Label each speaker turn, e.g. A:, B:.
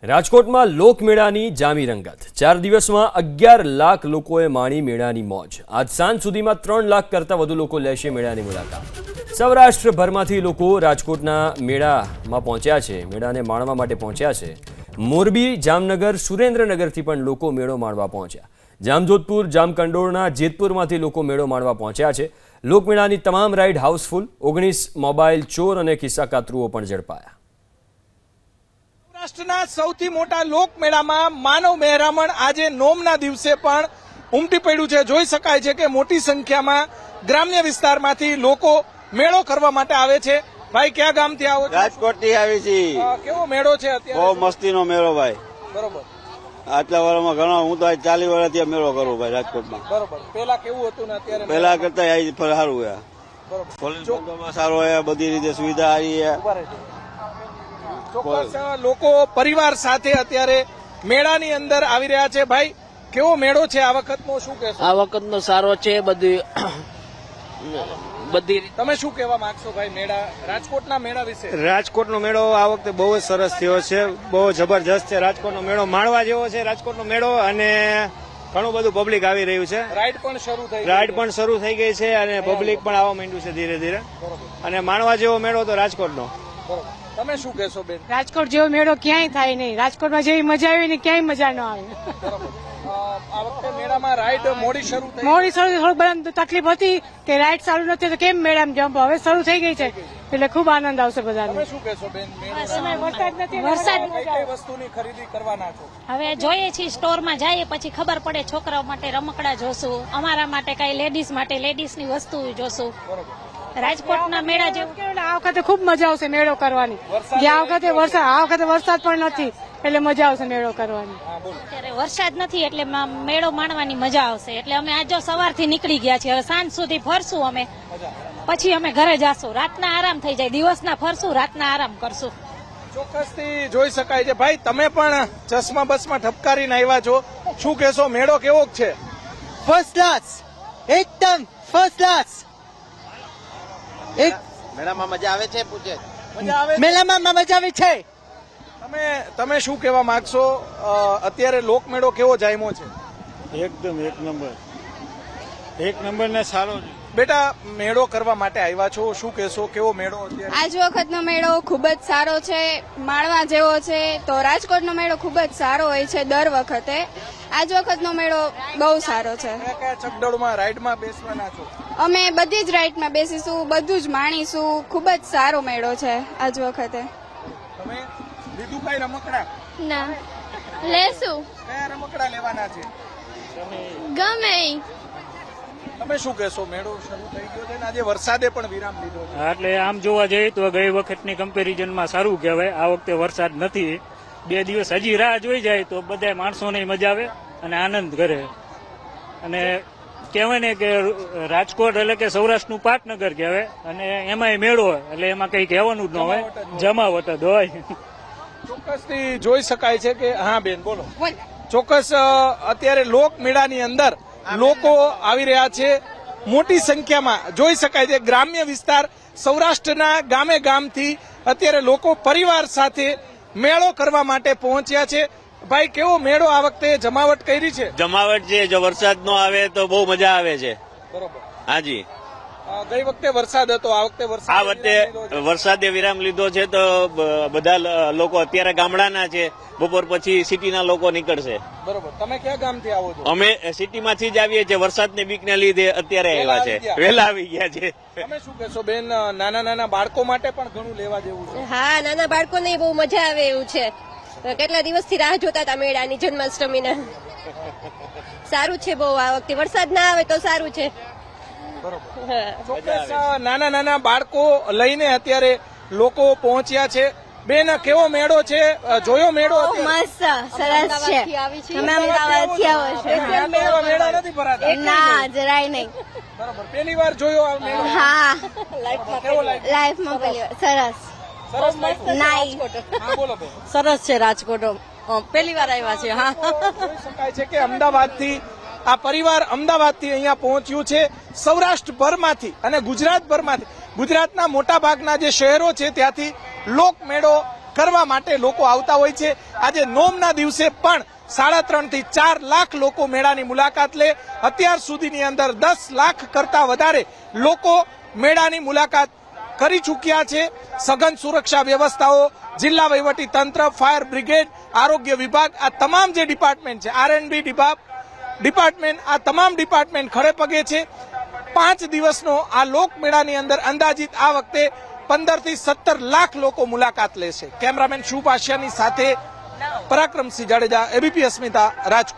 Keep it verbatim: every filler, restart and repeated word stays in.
A: રાજકોટમાં લોકમેળાની જામી રંગત ચાર દિવસમાં અગિયાર લાખ લોકોએ માણી મેળાની મોજ। આજ સાંજ સુધીમાં ત્રણ લાખ કરતાં વધુ લોકો લેશે મેળાની મુલાકાત। સૌરાષ્ટ્રભરમાંથી લોકો રાજકોટના મેળામાં પહોંચ્યા છે, મેળાને માણવા માટે પહોંચ્યા છે। મોરબી, જામનગર, સુરેન્દ્રનગરથી પણ લોકો મેળો માણવા પહોંચ્યા। જામજોધપુર, જામકંડોરણા, જેતપુરમાંથી લોકો મેળો માણવા પહોંચ્યા છે। લોકમેળાની તમામ રાઇડ હાઉસફુલ। ઓગણીસ મોબાઈલ ચોર અને ખિસ્સા કાતરુઓ પણ ઝડપાયા।
B: સૌરાષ્ટ્રના સૌથી મોટા લોકમેળામાં માનવ મહેરામણ આજે નોમના દિવસે પણ ઉમટી પડ્યું છે। જોઈ શકાય છે કે મોટી સંખ્યામાં ગ્રામ્ય વિસ્તારમાંથી લોકો મેળો કરવા માટે આવે છે। ભાઈ, ક્યાં ગામથી આવો છો?
C: રાજકોટથી આવી છીએ।
B: કેવો મેળો છે અત્યારે?
C: બહુ મસ્તીનો મેળો ભાઈ।
B: બરોબર।
C: આટલા વર્ષમાં ઘણો, હું તો ચાલીસ વર્ષથી મેળો કરું ભાઈ રાજકોટમાં।
B: બરોબર। પેલા કેવું હતું ને અત્યારે?
C: પેલા કરતા આ સારું છે।
B: બરોબર।
C: પોલીસ બંદોબસ્ત સારો છે, બધી રીતે સુવિધા સારી છે।
B: ચોક્કસ લોકો પરિવાર સાથે અત્યારે મેળાની અંદર આવી રહ્યા છે। ભાઈ, કેવો મેળો છે આ વખતનો, શું કહેશો?
D: આ વખતનો સારો છે। બધી બધી
B: તમે શું કહેવા માંગશો ભાઈ મેળા, રાજકોટના મેળા વિશે?
E: રાજકોટનો મેળો આ વખતે બહુ જ સરસ થયો છે, બહુ જબરજસ્ત છે। રાજકોટનો મેળો માણવા જેવો છે રાજકોટનો મેળો, અને ઘણું બધું પબ્લિક આવી રહ્યું છે।
B: રાઈડ પણ શરૂ થઈ
E: રાઈડ પણ શરૂ થઈ ગઈ છે અને પબ્લિક પણ આવવા માંડ્યું છે ધીરે ધીરે, અને માણવા જેવો મેળો તો રાજકોટનો।
B: બરોબર। તમે શું કહેશો બેન?
F: રાજકોટ જેવો મેળો ક્યાંય થાય નહીં। રાજકોટમાં જેવી મજા આવી ને ક્યાંય મજા ન આવે।
B: બરોબર। આ વખતે મેળામાં રાઈડ મોડી શરૂ થઈ?
F: મોડી શરૂ થોડું બધા તકલીફ હતી કે રાઈડ ચાલુ નથી તો કેમ મેળામાં જમ્પ, હવે શરૂ થઈ ગઈ છે એટલે ખૂબ આનંદ આવશે બધાને।
B: તમે શું કહેશો બેન?
F: વરસાદ નથી,
G: વરસાદ
B: કઈ કઈ વસ્તુની ખરીદી કરવાના છો?
G: હવે જોઈએ છીએ, સ્ટોરમાં જઈએ પછી ખબર પડે। છોકરાઓ માટે રમકડા જોશું, અમારા માટે કઈ લેડીઝ માટે લેડીઝની વસ્તુ જોશું। રાજકોટના મેળા જેવું
F: આ વખતે ખૂબ મજા આવશે મેળો કરવાની। ગયા વખતે વરસાદ, આ વખતે વરસાદ પણ નથી એટલે મજા આવશે મેળો કરવાની।
G: અત્યારે વરસાદ નથી એટલે મેળો માણવાની મજા આવશે। એટલે અમે આજ સવારથી નીકળી ગયા છીએ, હવે સાંજ સુધી ફરશું અમે, પછી અમે ઘરે જાશું। રાતના આરામ થઈ જાય, દિવસના ફરશું, રાતના આરામ કરશું।
B: ચોક્કસથી જોઈ શકાય છે। ભાઈ, તમે પણ ચશ્મા બસમાં ઠપકારીને આવ્યા છો, શું કહેશો? મેળો કેવો છે?
H: ફર્સ્ટ ક્લાસ, એકદમ ફર્સ્ટ ક્લાસ। એક
C: મેળામાં મજા આવે છે? પૂછે
B: મજા આવે છે?
H: મેળામાં મજા આવે છે।
B: તમે તમે શું કહેવા માંગશો? અત્યારે લોકમેળો કેવો જામ્યો છે?
E: એકદમ એક નંબર, એક નંબર ને સારો છે।
B: બેટા, મેળો કરવા માટે આવ્યા છો, શું કહેશો? કેવો મેળો અત્યારે?
I: આજ વખતનો મેળો ખૂબ જ સારો છે, માણવા જેવો છે। તો રાજકોટનો મેળો ખૂબ જ સારો હોય છે દર વખતે। આજ વખતનો મેળો બહુ સારો છે।
B: કયા કયા ચકડોળમાં રાઈડમાં બેસવાના છો?
I: અમે બધી જ રાઈડમાં બેસીશું, બધું જ માણીશું। ખૂબ જ સારો મેળો છે આજ વખતે।
B: તમે લીધું કઈ રમકડા?
I: ના, લેશું
B: કયા રમકડા લેવાના છે?
I: ગમે।
B: તમે શું કહેશો? મેળો શરૂ થઈ ગયો છે ને આજે વરસાદે પણ વિરામ લીધો છે,
E: એટલે આમ જોવા જઈએ તો ગઈ વખતની કમ્પેરિઝનમાં સારું કહેવાય। આ વખતે વરસાદ નથી, બે દિવસ હજી રાહ જોઈ જાય તો બધા માણસોને મજા આવે અને આનંદ કરે। અને કહેવાય ને કે રાજકોટ એટલે કે સૌરાષ્ટ્રનું પાટનગર કહેવાય, અને એમાંય મેળો એટલે એમાં કઈ કહેવાનું જ ન હોય, જમાવટ જ હોય।
B: ચોક્કસથી જોઈ શકાય છે કે હા બેન બોલો। ચોક્કસ અત્યારે લોકમેળાની અંદર લોકો આવી રહ્યા છે મોટી સંખ્યામાં, જોઈ શકાય છે। ગ્રામ્ય વિસ્તાર સૌરાષ્ટ્રના ગામે ગામથી અત્યારે લોકો પરિવાર સાથે મેળો કરવા માટે પહોંચ્યા છે। ભાઈ, કેવો મેળો આ વખતે જમાવટ કરી છે?
C: જમાવટ છે, જો વરસાદ નો આવે તો બહુ મજા આવે છે।
B: બરોબર।
C: હાજી,
B: ગઈ વખતે વરસાદ હતો, આ વખતે વરસાદ
C: આ વખતે વરસાદે વિરામ લીધો છે તો બધા લોકો અત્યારે ગામડાના છે, બપોર પછી સિટીના લોકો નીકળશે।
B: બરોબર। તમે કયા ગામથી આવો છો?
C: અમે સિટીમાંથી જ આવીએ છીએ, વરસાદની બીકને લીધે અત્યારે આવ્યા છે, વહેલા આવી ગયા છે।
B: તમે શું કહેશો બેન? નાના નાના બાળકો માટે પણ ઘણું લેવા જેવું છે?
J: હા, નાના બાળકોને બહુ મજા આવે એવું છે। કેટલા દિવસથી રાહ જોતા હતા મેળાની, જન્માષ્ટમીના। સારું છે બહુ, આ વખતે વરસાદ ના આવે તો સારું છે।
B: ચોક્કસ નાના નાના બાળકો લઈને અત્યારે લોકો પહોંચ્યા છે। બેન, કેવો મેળો છે? જોયો મેળો?
I: મસ્ત સરસ છે। તમે અમદાવાદથી આવો છો?
B: મેળા નથી ભરાતા?
I: ના, જરાય નહીં।
B: બરોબર। પહેલી વાર જોયો આ મેળો?
I: હા,
B: કેવો લાગ્યો?
I: લાઈફમાં પહેલી વાર। સરસ
B: સરસ લાગ્યો?
I: નાઈ
B: હા, બોલો બેન।
F: સરસ છે રાજકોટ, પહેલી વાર આવ્યા છે। હા,
B: જોઈ શકાય છે કે અમદાવાદથી આ પરિવાર અમદાવાદથી અહીંયા પહોંચ્યું છે, સૌરાષ્ટ્રભરમાંથી અને ગુજરાતભરમાંથી, ગુજરાતના મોટા ભાગના જે શહેરો છે ત્યાંથી લોકમેળો કરવા માટે લોકો આવતા હોય છે. આજે નોમના દિવસે પણ સાડા ત્રણ થી ચાર લાખ લોકો મેળાની મુલાકાત લે. અત્યાર સુધીની અંદર દસ લાખ કરતા વધારે લોકો મેળાની મુલાકાત કરી ચૂક્યા છે. સઘન સુરક્ષા વ્યવસ્થાઓ, જિલ્લા વહીવટી તંત્ર, ફાયર બ્રિગેડ, આરોગ્ય વિભાગ, આ તમામ જે ડિપાર્ટમેન્ટ છે, આર એન્ડ બી ડિપાર્ટમેન્ટ, આ તમામ ડિપાર્ટમેન્ટ ખડે પગે છે. પાંચ દિવસનો આ લોકમેળાની અંદર અંદાજિત આ વખતે પંદર થી સત્તર લાખ લોકો મુલાકાત લેશે. કેમેરામેન શુભ આશિયાની સાથે પરાક્રમસિંહ જાડેજા, એબીપી અસ્મિતા, રાજકોટ.